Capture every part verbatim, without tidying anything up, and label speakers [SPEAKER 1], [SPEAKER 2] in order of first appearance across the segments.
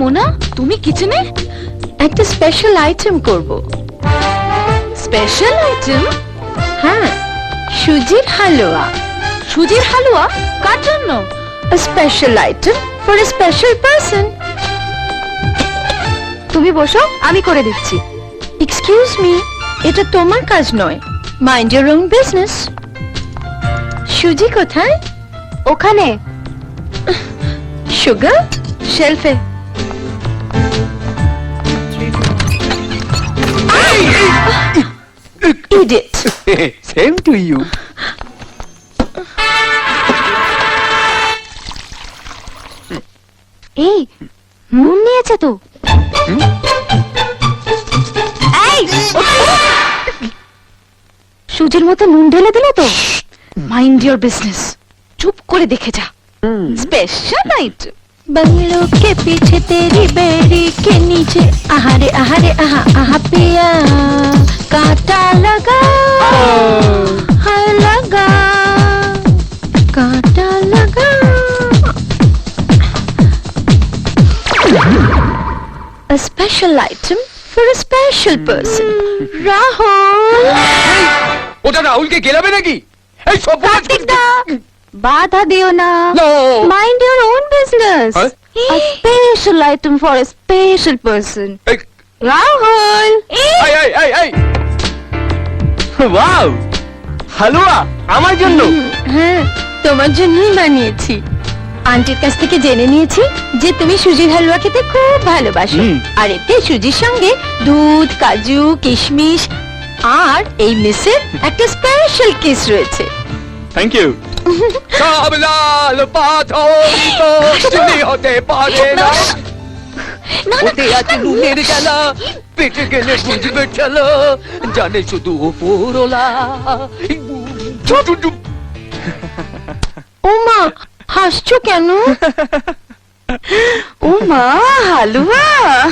[SPEAKER 1] মোনা, তুমি কিচেনে
[SPEAKER 2] একটা স্পেশাল আইটেম করব।
[SPEAKER 1] Special item?
[SPEAKER 2] হ্যাঁ, সুজির হালুয়া।
[SPEAKER 1] সুজির হালুয়া? কার জন্য?
[SPEAKER 2] A special item for a special person. তুমি বসো, আমি করে দিচ্ছি। এক্সকিউজ মি, এটা তোমার কাজ নয়। Mind your own business. সুজি কোথায়? ওখানে। সুগার শেলফে। Idiot.
[SPEAKER 3] Same to you.
[SPEAKER 2] এই নুন নিয়েছে তো। এই সুজির মতো নুন ঢেলে দিলে তো।
[SPEAKER 1] মাইন্ড ইওর বিজনেস, চুপ করে দেখে যা। Special item.
[SPEAKER 2] बंगलों के पीछे तेरी बेड़ी के नीचे आहारे आहारे आहा आहा पिया कांटा लगा हाय लगा कांटा लगा। A special item for a special person. Rahul.
[SPEAKER 3] ওটা রাহুলকে গেলাবে নাকি? এই সব
[SPEAKER 2] কার্তিক দা, বাধা দিও না।
[SPEAKER 3] No.
[SPEAKER 2] Mind your own business.
[SPEAKER 3] Huh?
[SPEAKER 2] A special item for a special person.
[SPEAKER 3] এই
[SPEAKER 2] Rahul.
[SPEAKER 3] এই এই এই এই ওয়াও, হালুয়া আমার জন্য।
[SPEAKER 2] হ্যাঁ, তোমার জন্যই বানিয়েছি। আন্টির কাছ থেকে জেনে নিয়েছি যে তুমি সুজির হালুয়া খেতে খুব ভালোবাসো।
[SPEAKER 3] হুম।
[SPEAKER 2] আর এতে সুজির সঙ্গে দুধ, কাজু, কিশমিশ আর এই মিসের একটা স্পেশাল কিস রয়েছে।
[SPEAKER 3] Thank you. সব লাল পাথরই তো চিনি হতে পারে না। ওতে আছে নুনের জ্বালা, পেটে গেলে বুঝবে চলো, জানে শুধু ওপরওয়ালা।
[SPEAKER 2] ও মা, হাসছো কেন? ও মা, হালুয়া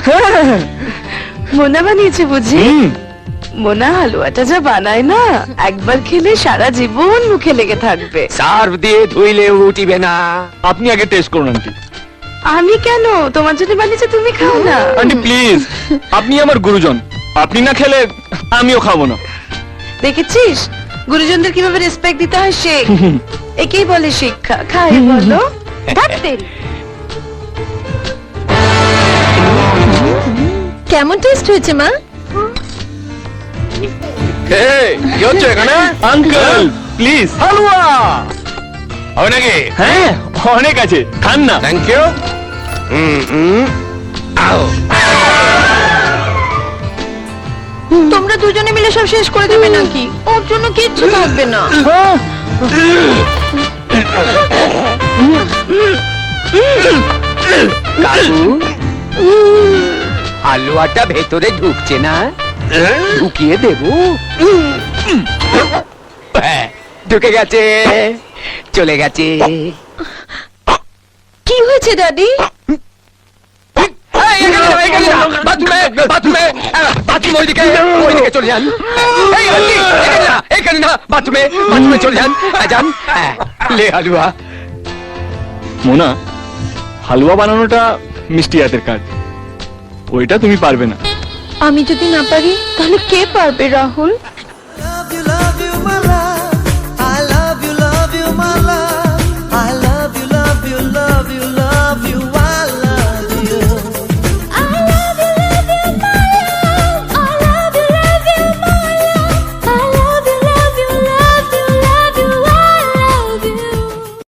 [SPEAKER 2] মোনা বানিয়েছে বুঝি? মোনা হালুয়াটা যা বানায় না, একবার খেলে সারা জীবন মুখে লেগে থাকবে।
[SPEAKER 3] সার্ভ দিয়ে ধুইলে উঠিবে না। আপনি আগে টেস্ট করুন আন্টি।
[SPEAKER 2] আমি কেন? তোমার জন্য বানিয়েছে, তুমি খাও না।
[SPEAKER 4] আন্টি প্লিজ, আপনি আমার গুরুজন, আপনি না খেলে আমিও খাবো না।
[SPEAKER 2] দেখেছিস গুরুজনদের কিভাবে রেসপেক্ট দিতে হয়, শেখ। একেই বলে শিক্ষা। খাই বলো। কেমন টেস্ট হয়েছে মা?
[SPEAKER 3] কি হচ্ছে এখানে?
[SPEAKER 4] আঙ্কেল প্লিজ,
[SPEAKER 3] হালুয়া হবে নাকি?
[SPEAKER 4] হ্যাঁ অনেক আছে, খান না।
[SPEAKER 3] Thank you.
[SPEAKER 2] তোমরা দুজনে মিলে সব শেষ করে দেবে নাকি? ওর জন্য কিচ্ছু থাকবে না।
[SPEAKER 3] কাকু, হালুয়াটা ভেতরে ঢুকছে না, ঢুকিয়ে দেব। হ্যাঁ, ঢুকে গেছে, চলে গেছে।
[SPEAKER 2] কি হয়েছে দাদি?
[SPEAKER 3] বাথরুমে বাথরুমে বাথরুম ওইদিকে ওইদিকে চলে যান। এই আন্টি, এখানে না, এখানে না, বাথরুমে বাথরুমে চলে যান। যান, লে হালুয়া।
[SPEAKER 4] মোনা, হালুয়া বানানোটা মিষ্টি হাতের কাজ, ওইটা তুমি পারবে না।
[SPEAKER 2] আমি যদি না পারি তাহলে কে পারবে রাহুল?